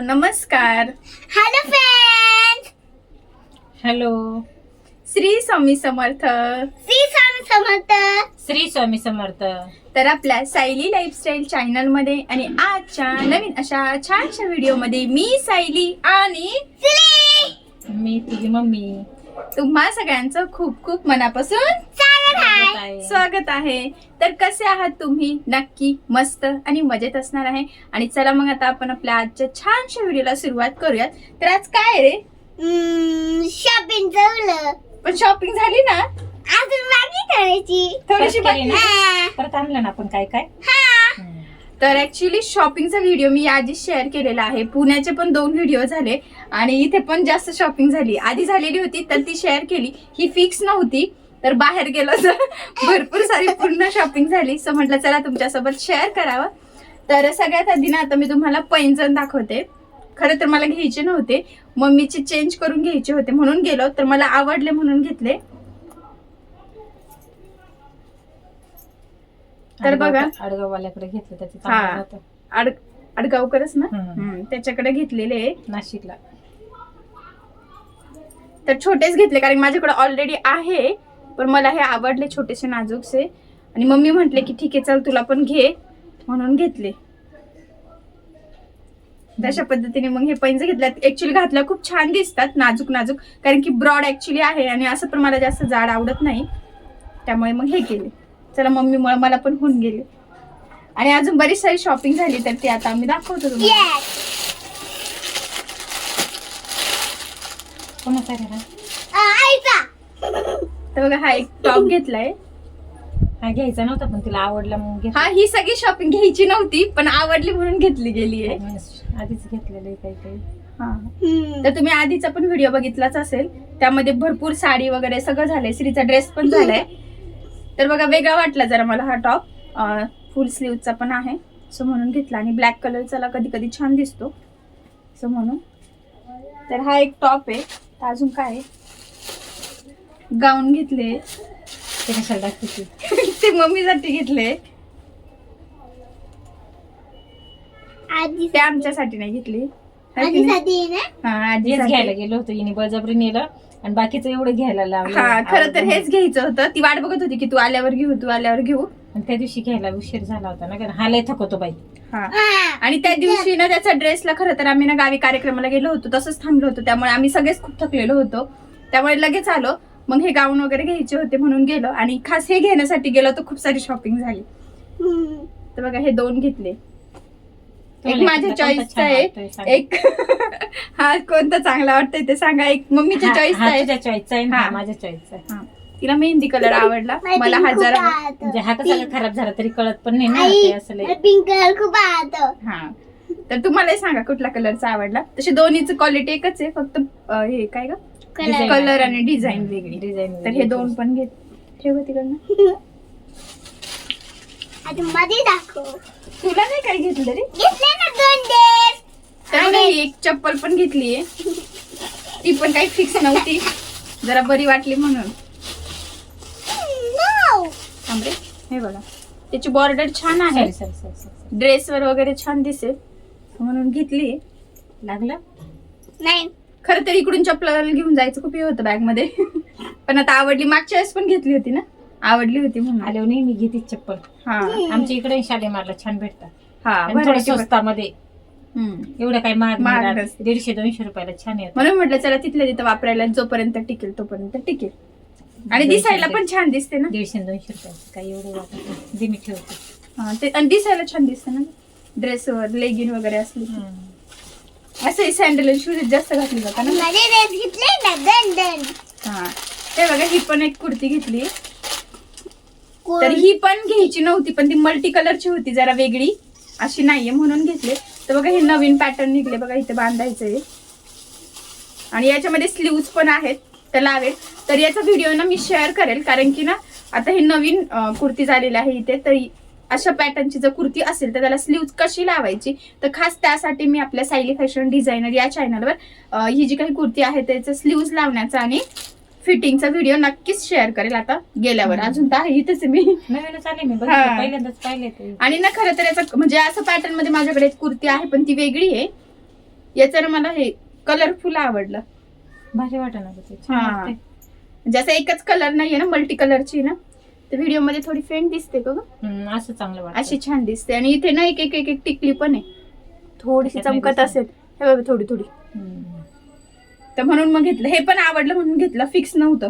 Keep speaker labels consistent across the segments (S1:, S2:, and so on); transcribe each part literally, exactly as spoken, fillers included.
S1: नमस्कार.
S2: Hello friends.
S3: Hello.
S1: Shri Swami Samarth.
S2: Shri Swami Samarth.
S3: Shri Swami Samarth.
S1: तर आपल्या सायली लाईफस्टाईल चॅनल मध्ये आणि आजच्या नवीन अशा छानशा व्हिडिओ मध्ये मी सायली आणि
S3: मी तुझी मम्मी
S1: तुम्हा सगळ्यांचं खूप खूप मनापासून
S2: स्वागत आहे.
S1: स्वागत आहे. तर कसे आहात तुम्ही? नक्की मस्त आणि मजेत असणार आहे. आणि चला मग आता आपण आपल्या आजच्या छानशा व्हिडिओला सुरुवात करूयात. तर आज काय रे?
S2: शॉपिंग झालं
S1: पण शॉपिंग झाली ना?
S2: अजून बाकी करायची.
S1: थोडीशी
S3: परत केली
S1: बाकी.
S3: ना? परत आणलं ना आपण काय काय.
S1: तर ऍक्च्युली शॉपिंगचा व्हिडिओ मी आधी शेअर केलेला आहे. पुण्याचे पण दोन व्हिडिओ झाले आणि इथे पण जास्त शॉपिंग झाली. आधी झालेली होती तर ती शेअर केली. ही फिक्स नव्हती तर बाहेर गेलो तर भरपूर सारी पूर्ण शॉपिंग झाली. सो म्हटलं चला तुमच्यासोबत शेअर करावं. तर सगळ्यात आधी ना आता मी तुम्हाला पैंजण दाखवते. खरं तर मला घ्यायचे नव्हते, मम्मीचे चेंज करून घ्यायचे होते म्हणून गेलो. तर मला आवडले म्हणून घेतले. तर बघा
S3: आडगाववाल्याकडे घेतलं त्याचे
S1: हा
S3: चांगलं होतं.
S1: आड आडगावकरच ना.
S3: हम्म.
S1: हम्म, त्याच्याकडे घेतलेले आहे.
S3: नाशिकला.
S1: तर छोटेच घेतले कारण माझ्याकडे ऑलरेडी आहे, पण मला हे आवडले छोटेसे नाजूकसे. आणि मम्मी म्हटले की ठीक आहे चल तुला पण घे म्हणून घेतले. तशा पद्धतीने मग हे पैंजण घेतल्यात. ऍक्च्युली घातल्या खूप छान दिसतात, नाजूक नाजूक, कारण की ब्रॉड ऍक्च्युली आहे आणि असं पण मला जास्त जाड आवडत नाही, त्यामुळे मग हे केले. चला मम्मी मुळे मला पण होऊन गेले. आणि अजून बरीच सारी शॉपिंग झाली तर ती आता आम्ही दाखवतो तुम्हाला.
S3: कोणाचा रे हा?
S1: तर बघा हा एक टॉप घेतलाय.
S3: हा घ्यायचा नव्हता पण तिला आवडला म्हणून घेतला.
S1: हा ही सगळी शॉपिंग घ्यायची नव्हती पण आवडली म्हणून घेतली गेली आहे.
S3: आधीच घेतलेलं आहे काही काही.
S1: हा तर तुम्ही आधीचा पण व्हिडिओ बघितलाच असेल, त्यामध्ये भरपूर साडी वगैरे सगळं झालंय. श्रीचा ड्रेस पण झालाय. तर बघा वेगळा वाटला जरा मला हा टॉप. फुल स्लीवचा पण आहे सो म्हणून घेतला. आणि ब्लॅक कलरचा कधी कधी छान दिसतो सो म्हणून. तर हा एक टॉप आहे. तर अजून काय गाऊन घेतले.
S3: ते कशाला दाखवते?
S1: ते मम्मीसाठी घेतले.
S2: आधी
S1: ते आमच्यासाठी नाही घेतली.
S2: आधी साठी ना.
S1: हा आधी
S3: हेच घ्यायला गेलो होतो हिने बळजबरी नेलं आणि बाकीचं एवढं घ्यायला लावलं.
S1: हा खरं तर हेच घ्यायचं होतं. ती वाट बघत होती की तू आल्यावर घेऊ तू आल्यावर घेऊ.
S3: आणि त्या दिवशी घ्यायला उशीर झाला होता ना, कारण हा लय थकवतो बाई.
S1: हा आणि त्या दिवशी ना त्याचा ड्रेसला खरं तर आम्ही ना गावी कार्यक्रमाला गेलो होतो, तसंच थांबलो होतो, त्यामुळे आम्ही सगळेच खूप थकलेलो होतो, त्यामुळे लगेच आलो. मग हे गाऊन वगैरे घ्यायचे होते म्हणून गेलो. आणि खास हे घेण्यासाठी गेलो तर खूप सारी शॉपिंग झाली. तर बघा हे दोन घेतले. एक माझ्या चॉईसचा आहे, एक हा कोणता चांगला वाटतंय ते सांगा. एक मम्मीच्या चॉईसचा आहे,
S3: चॉईसचा आहे
S1: हा.
S3: माझ्या चॉईसचा आहे.
S1: हा. तिला मेहंदी कलर आवडला, मला हा जरा
S3: म्हणजे हा कसा खराब झाला तरी कळत पण नाही ना ते असं लय.
S2: पिंक कलर खूप आवडतो.
S1: हा. तर तुम्हालाही सांगा कुठला कलरचा आवडला. तसे दोन्हीची क्वालिटी एकच आहे, फक्त अं, हे काय ग
S2: कलर
S1: कलर आणि डिझाईन वेगळी.
S3: डिझाईन
S1: तर हे दोन पण घेत ठेव तिकडनं.
S2: आता मध्ये दाखव.
S1: तुला नाही काय घेतलं रे?
S2: घेतले ना दोन ड्रेस.
S1: तर बघा ही एक चप्पल पण घेतलीये. ती पण काही फिक्स नव्हती, जरा बरी वाटली म्हणून. थांब रे, हे बघा त्याची बॉर्डर छान आहे,
S3: सॉरी सॉरी सॉरी
S1: ड्रेसवर वगैरे छान दिसेल म्हणून घेतली.
S3: लागलं.
S2: नाही
S1: खरं तर इकडून चप्पल घेऊन जायचं खूप हे होतं बॅग मध्ये, पण आता आवडली. मागच्या वेळेस पण घेतली होती ना, आवडली होती म्हणून.
S3: आल्यावर नाही मी घेते चप्पल.
S1: हा
S3: आमच्या इकडे शालेमारला छान भेटतात.
S1: हा
S3: आणि थोडं
S1: variety पण.
S3: स्वस्तामध्ये,
S1: हम्म.
S3: एवढं काही महाग
S1: महाग
S3: नाही.
S1: नसते.
S3: दीडशे दोनशे रुपयाला छान येत.
S1: म्हणून म्हटलं चला तिथल्या तिथं वापरायला जोपर्यंत टिकेल तोपर्यंत टिकेल. आणि दिसायला पण छान दिसते ना.
S3: दीडशे दोनशे रुपयाचं काही एवढं वाटत नाही. दे मी ठेवते.
S1: हा, ते आणि दिसायला छान दिसते ना ड्रेसवर लेगिन वगैरे असली की. असं सँडल आणि शूज जास्त घातली जातात ना.
S2: मध्ये ड्रेस घेतले ना दोन दोन.
S1: हा ते बघा ही पण एक कुर्ती घेतली. तर ही पण घ्यायची नव्हती पण ती मल्टी कलरची होती, जरा वेगळी अशी नाहीये म्हणून घेतले. तर बघा हे नवीन पॅटर्न निघले बघा, इथे बांधायचंय आणि याच्यामध्ये स्लीव्स पण आहेत तर लावेल. तर याचा व्हिडिओ ना मी शेअर करेल, कारण की ना आता हे नवीन कुर्ती झालेली आहे इथे. तर अशा पॅटर्नची जर कुर्ती असेल तर त्याला स्लीव्स कशी लावायची, तर खास त्यासाठी मी आपल्या सायली फॅशन डिझायनर या चॅनलवर ही जी काही कुर्ती आहे त्याचं स्लीव्स लावण्याचा आणि फिटिंगचा व्हिडिओ नक्कीच शेअर करेल आता गेल्यावर. अजून तर आहे इथेच मी
S3: नवीनच आले मी
S1: हा.
S3: पहिल्यांदाच पाहिले ते.
S1: आणि ना खरं तर याचा म्हणजे असं पॅटर्न मध्ये माझ्याकडे एक कुर्ती आहे पण ती वेगळी आहे. याचं ना मला हे कलरफुल आवडलं.
S3: भारी वाटणार ते छान
S1: हा.
S3: वाटतंय.
S1: जसं एकच कलर नाहीये ना, मल्टी कलरची ना, तर व्हिडिओ मध्ये थोडी फेंट दिसते का ग,
S3: हम्म, असं चांगलं वाटतं.
S1: अशी छान दिसते. आणि इथे ना एक एक एक एक टिकली पण आहे, थोडीशी
S3: त्याच्यात नाही
S1: चमकत
S3: दिसत.
S1: असेल हे बघा, थोडी थोडी.
S3: हम्म.
S1: तर म्हणून मग घेतलं, हे पण आवडलं म्हणून घेतलं, फिक्स नव्हतं.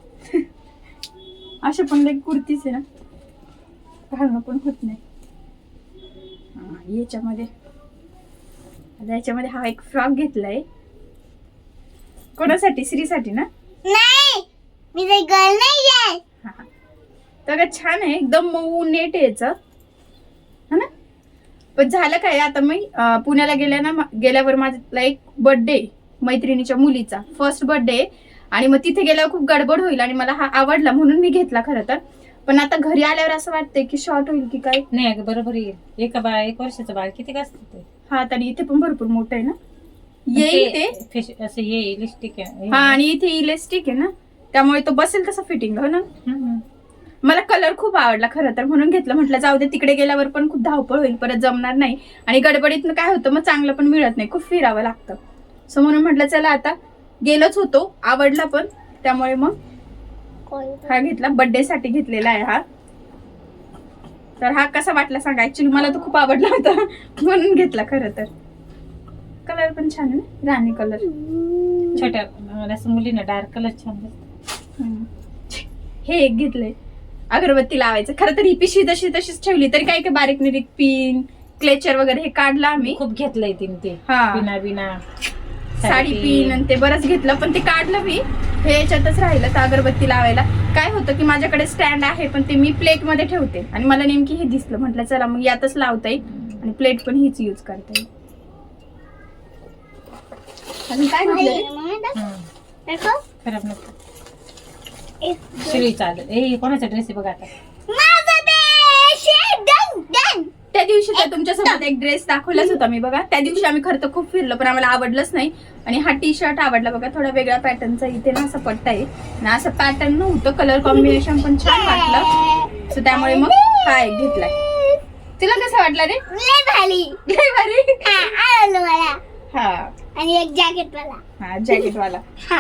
S1: अशा पण एक कुर्तीच आहे ना, घालणं पण होत नाही. हा, याच्यामध्ये आता याच्यामध्ये हा एक फ्रॉक घेतलाय. कोणासाठी? श्रीसाठी ना?
S2: नाही, मी ते गर्ल नाही आहे.
S1: हा. तर का छान आहे, एकदम मऊ नेट आहे याचं, है ना. पण झालं काय, आता मी अं, पुण्याला गेल्या ना, गेल्यावर माझा एक बर्थडे मैत्रिणीच्या मुलीचा फर्स्ट बर्थडे, आणि मग तिथे गेल्यावर खूप गडबड होईल आणि मला हा आवडला म्हणून मी घेतला खरं तर. पण आता घरी आल्यावर असं वाटतंय की शॉर्ट होईल की काय.
S3: नाही अगं बरोबर येईल. एका बाळ एक वर्षाचं बाळ किती असतं ते.
S1: हा, आणि इथे पण भरपूर मोठं आहे ना, येईल ते.
S3: फेश- असं ये इलिस्टिक आहे.
S1: हा, आणि इथे इलेस्टिक आहे ना, त्यामुळे तो बसेल तसं फिटिंग हो ना.
S3: हम्म.
S1: मला कलर खूप आवडला खरं तर, म्हणून घेतलं. म्हटलं जाऊ दे, तिकडे गेल्यावर पण खूप धावपळ होईल, परत जमणार नाही, आणि गडबडीतनं काय होतं मग चांगलं पण मिळत नाही, खूप फिरावं लागतं. सो म्हणून म्हटलं चला आता गेलोच होतो, आवडला पण, त्यामुळे मग हा घेतला. बर्थडे साठी घेतलेला आहे हा. तर हा कसा वाटला सांगा. ऍक्च्युली मला तो खूप आवडला होता म्हणून घेतला खरं तर. कलर पण छान आहे ना, राणी कलर.
S3: छोट्या मला असं मुलींना डार्क कलर छान दिसतो.
S1: हे एक घेतलंय, अगरबत्ती लावायचं. खरं तर ही पिशवी तशी तशीच ठेवली, तरी काय काय बारीक निरीक पिन क्लेचर वगैरे हे काढलं आम्ही.
S3: खूप घेतलंय तिने ते
S1: हा.
S3: बिना बिना
S1: साडी पिन आणि ते बरंच घेतलं, पण ते काढलं मी. हे याच्यातच राहिलं तर अगरबत्ती लावायला. काय होतं की माझ्याकडे स्टँड आहे, पण ते मी प्लेट मध्ये ठेवते, आणि मला नेमकी हे दिसलं, म्हटलं चला मग यातच लावता येईल आणि प्लेट पण हीच यूज करता येईल. अजून काय घेतलं?
S3: हम्म. खराब नसतं. शिळी चालेल. ए कोणाचा ड्रेस आहे बघा आता.
S2: माझा देश आहे. Done done.
S1: त्या दिवशी तर तुमच्यासोबत एक ड्रेस दाखवलाच होता मी बघा. त्या दिवशी आम्ही खरं तर खूप फिरलो, पण आम्हाला आवडलंच नाही. आणि हा टी शर्ट आवडला बघा, थोडा वेगळा पॅटर्नचा. इथे ना असं पट्टा आहे आणि असं पॅटर्न नव्हतं, कलर कॉम्बिनेशन पण छान वाटलं, सो त्यामुळे मग हा एक घेतलाय. तुला कसा वाटला रे?
S2: लय भारी.
S1: लय भारी.
S2: हा, आवडलं मला.
S1: हा
S2: आणि एक जॅकेट वाला.
S1: हा, जॅकेट वाला.
S2: हा.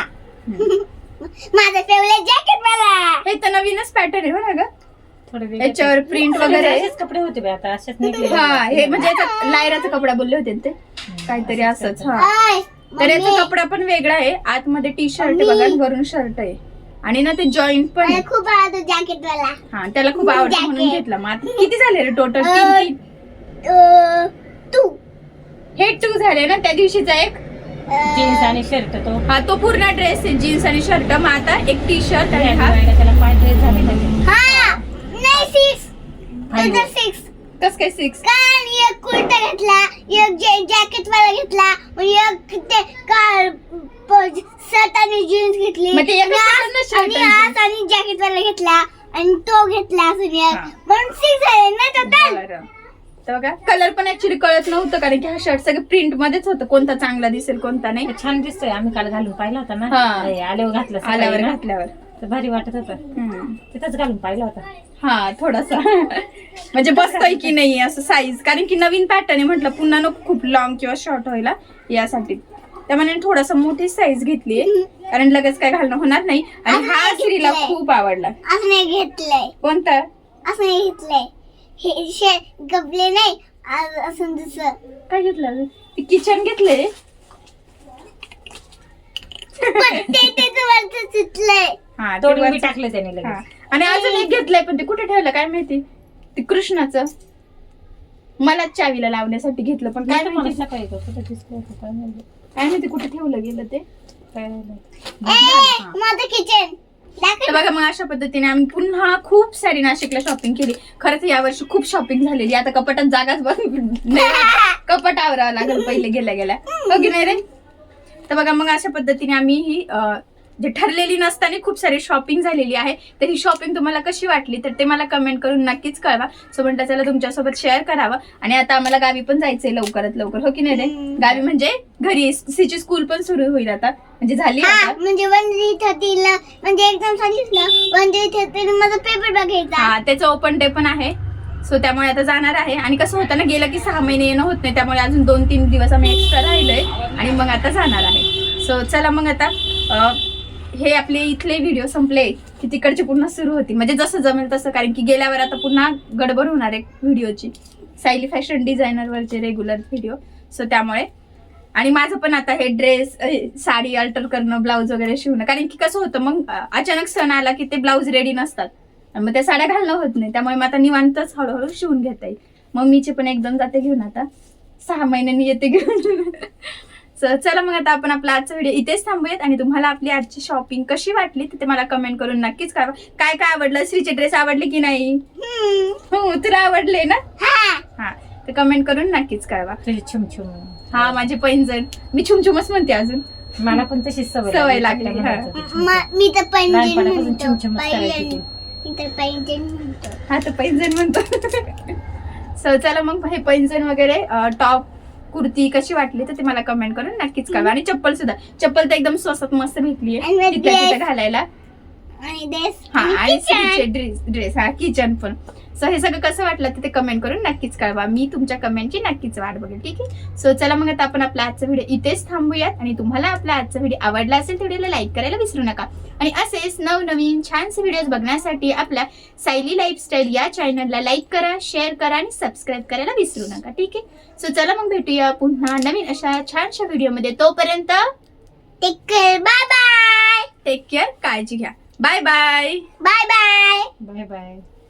S2: माझं फेवरेट जॅकेट वाला.
S1: हे तर नवीनच पॅटर्न आहे बघा ग,
S3: थोडं वेगळं.
S1: याच्यावर प्रिंट
S3: सगळे
S1: वगैरे.
S3: असेच कपडे होते बे आता, असेच निघले.
S1: हा, हे म्हणजे याचा लायराचा कपडा बोलले होते ना ते, काहीतरी असंच. हा,
S2: ओय,
S1: तर याचा
S2: मम्मी,
S1: कपडा पण वेगळा आहे. आतमध्ये टी शर्ट आहे बघा, आणि वरून शर्ट आहे, आणि ना ते जॉईंट पण
S2: मला
S1: आहे.
S2: खूप आवडतो जॅकेट वाला.
S1: हा, त्याला खूप आवडतं म्हणून
S2: Jacket.
S1: घेतला. मग आता किती झाले रे टोटल?
S2: अं,
S1: तीन तीन
S2: अं, तू
S1: हे टू झाले ना. त्या दिवशीचा एक,
S2: अं,
S3: जीन्स आणि शर्ट तो
S1: हा तो पूर्ण ड्रेस आहे, जीन्स आणि शर्ट. मग आता एक टी शर्ट आणि हा.
S3: त्याला पाय ड्रेस झाले त्याचे.
S2: हा, नाही सिक्स.
S3: Five.
S2: त्याचा सिक्स.
S1: कस काय सिक्स?
S2: कारण एक कुर्ता घेतला, एक जॅकेट वाला घेतला, मग एक ते कार शर्ट आणि जीन्स घेतली,
S1: मग ते एकच
S2: आणि
S1: ना
S2: आज-
S1: shirt
S2: आणि
S1: आणि
S2: आज आणि जॅकेट वाला घेतला, आणि तो घेतला असून एक.
S1: हा.
S2: म्हणून सिक्स झाले ना टोटल.
S1: बरं. तर बघा, कलर पण ऍक्च्युली कळत नव्हतं, कारण की हा शर्ट सगळं प्रिंट मध्येच होतं, कोणता चांगला दिसेल कोणता नाही.
S3: छान दिसतोय. आम्ही काल घालून पाहिला होता ना.
S1: हा.
S3: ए, आल्यावर घातला सकाळी
S1: आल्यावर
S3: ना.
S1: घातल्यावर.
S3: तर भारी वाटत होता.
S1: हम्म.
S3: तिथंच घालून पाहिला होता.
S1: हा, थोडासा म्हणजे बसतोय की नाही असं साईज, कारण की नवीन पॅटर्न आहे, म्हटलं पुन्हा नको खूप लॉंग किंवा शॉर्ट व्हायला, यासाठी त्यामुळे थोडासा मोठी साईज घेतलीये, कारण लगेच काय घालणं होणार नाही. आणि
S2: असं
S1: हा
S2: नाही
S1: श्रीला
S2: घेतलंय.
S1: खूप आवडला.
S2: असं नाही घेतलंय.
S1: कोणता?
S2: असं नाही घेतलंय. हे शे गबले नाही, आज असं दुसरं.
S1: काय घेतलं? किचन घेतलंय.
S2: पण ते त्याचं वरचं चितलंय.
S1: हा, ते
S3: तोडून मी
S1: वरचं-
S3: टाकलं त्याने
S1: हा.
S3: लगेच.
S1: आणि अजून एक घेतलंय, पण ते कुठे ठेवलं काय माहिती. ते कृष्णाचं मला चावीला लावण्यासाठी घेतलं, पण काय
S3: काय मला
S1: माहिती
S3: सकाळी का कुठं दिसलं होतं काय माहिती.
S1: काय माहिती कुठे ठेवलं गेलं ते.
S3: काय राहिलं.
S2: ए, माझं किचन.
S1: तर बघा, मग अशा पद्धतीने आम्ही पुन्हा खूप सारी नाशिकला शॉपिंग केली. खरंच यावर्षी खूप शॉपिंग झालेली. आता कपाटात जागाच बस नाही, कपाट आवरावं लागेल पहिले गेल्या गेल्या, हो की नाही रे. तर बघा, मग अशा पद्धतीने आम्ही ही अं, जे ठरलेली नसताना खूप सारी शॉपिंग झालेली आहे. तर ही शॉपिंग तुम्हाला कशी वाटली तर ते मला कमेंट करून नक्कीच कळवा. सो म्हटलं चला तुमच्यासोबत शेअर करावं. आणि आता आम्हाला गावी पण जायचंय लवकरात लवकर, हो की नाही रे. गावी म्हणजे घरी सीची स्कूल पण सुरू होईल आता, म्हणजे झाली
S2: हा,
S1: आता.
S2: म्हणजे वन थ्री थर्टीला म्हणजे एक्झाम सांगितलं वन थ्री थर्टी माझा पेपर बघायचा.
S1: हा, त्याचं ओपन डे पण आहे. सो त्यामुळे आता जाणार आहे. आणि कसं होतं ना, गेलं की सहा महिने येणं होत नाही, त्यामुळे अजून दोन तीन दिवस आम्ही एक्स्ट्रा राहिलोय आणि मग आता जाणार आहे. सो चला मग आता अं, हे आपले इथले व्हिडिओ संपले की तिकडचे पुन्हा सुरू होतील, म्हणजे जसं जमेल तसं, कारण की गेल्यावर आता पुन्हा गडबड होणार आहे व्हिडिओची, सायली फॅशन डिझायनरवरचे रेग्युलर व्हिडिओ. सो त्यामुळे आणि माझं पण आता हे ड्रेस, साडी अल्टर करणं, ब्लाऊज वगैरे शिवणं, कारण की कसं होतं मग अं, अचानक सण आला की ते ब्लाऊज रेडी नसतात आणि मग त्या साड्या घालणं होत नाही, त्यामुळे मग आता निवांतच हळूहळू शिवून घेता येईल. मम्मीचे पण एकदम जाते घेऊन, आता सहा महिन्यांनी येते घेऊन. सो चला मग आता आपण आपला आजचा व्हिडिओ इथेच थांबूयात आणि तुम्हाला आपली आजची शॉपिंग कशी वाटली ते मला कमेंट करून नक्कीच कळवा. काय काय आवडलं, श्रीचे ड्रेस आवडले की नाही? हो, तुला आवडले ना? हा, तर कमेंट करून नक्कीच कळवा.
S3: तुझी छुमछुम.
S1: हा, माझे पैंजण, मी छुमछुमच म्हणते अजून,
S3: मला पण तशीच सवय
S1: सवय लागली,
S3: लागली.
S1: हा.
S2: म- मी तर पैंजण
S3: लहानपणापासून
S2: म्हणतो
S3: छुमछुमच करायची
S2: पैंजण.
S3: ती.
S2: मी तर पैंजण म्हणतो.
S1: हा, तर पैंजण म्हणतो. सो चला मग हे पैंजण वगैरे, टॉप कुर्ती कशी वाटली तर ते मला कमेंट करून नक्कीच कळवा. आणि चप्पल सुद्धा, चप्पल तर एकदम स्वस्त मस्त भेटली
S2: आणि
S1: आहे
S2: मग
S1: तिथल्या
S2: dress.
S1: तिथं घालायला.
S2: आणि ड्रेस
S1: हा, आणि
S2: kitchen.
S1: श्रीचे ड्रेस ड्रेस हा, किचन पण. सो हे सगळं कसं वाटलं तर ते कमेंट करून नक्कीच कळवा. मी तुमच्या कमेंटची नक्कीच वाट बघेल. ठीक आहे. सो चला मग आता आपण आपला आजचा व्हिडिओ इथेच थांबूयात. आणि तुम्हाला आपला आजचा व्हिडिओ आवडला असेल तर व्हिडिओला लाईक करायला विसरू नका. आणि असेच नवनवीन छानसे व्हिडिओज बघण्यासाठी आपल्या सायली लाईफस्टाईल या चॅनलला लाईक करा, शेअर करा आणि सबस्क्राईब करायला विसरू नका. ठीक आहे. सो चला मग भेटूया पुन्हा नवीन अशा छानशा व्हिडिओमध्ये. तोपर्यंत
S2: take care. Bye bye.
S1: Take care, काळजी घ्या. Bye bye.
S2: Bye bye.
S3: Bye bye.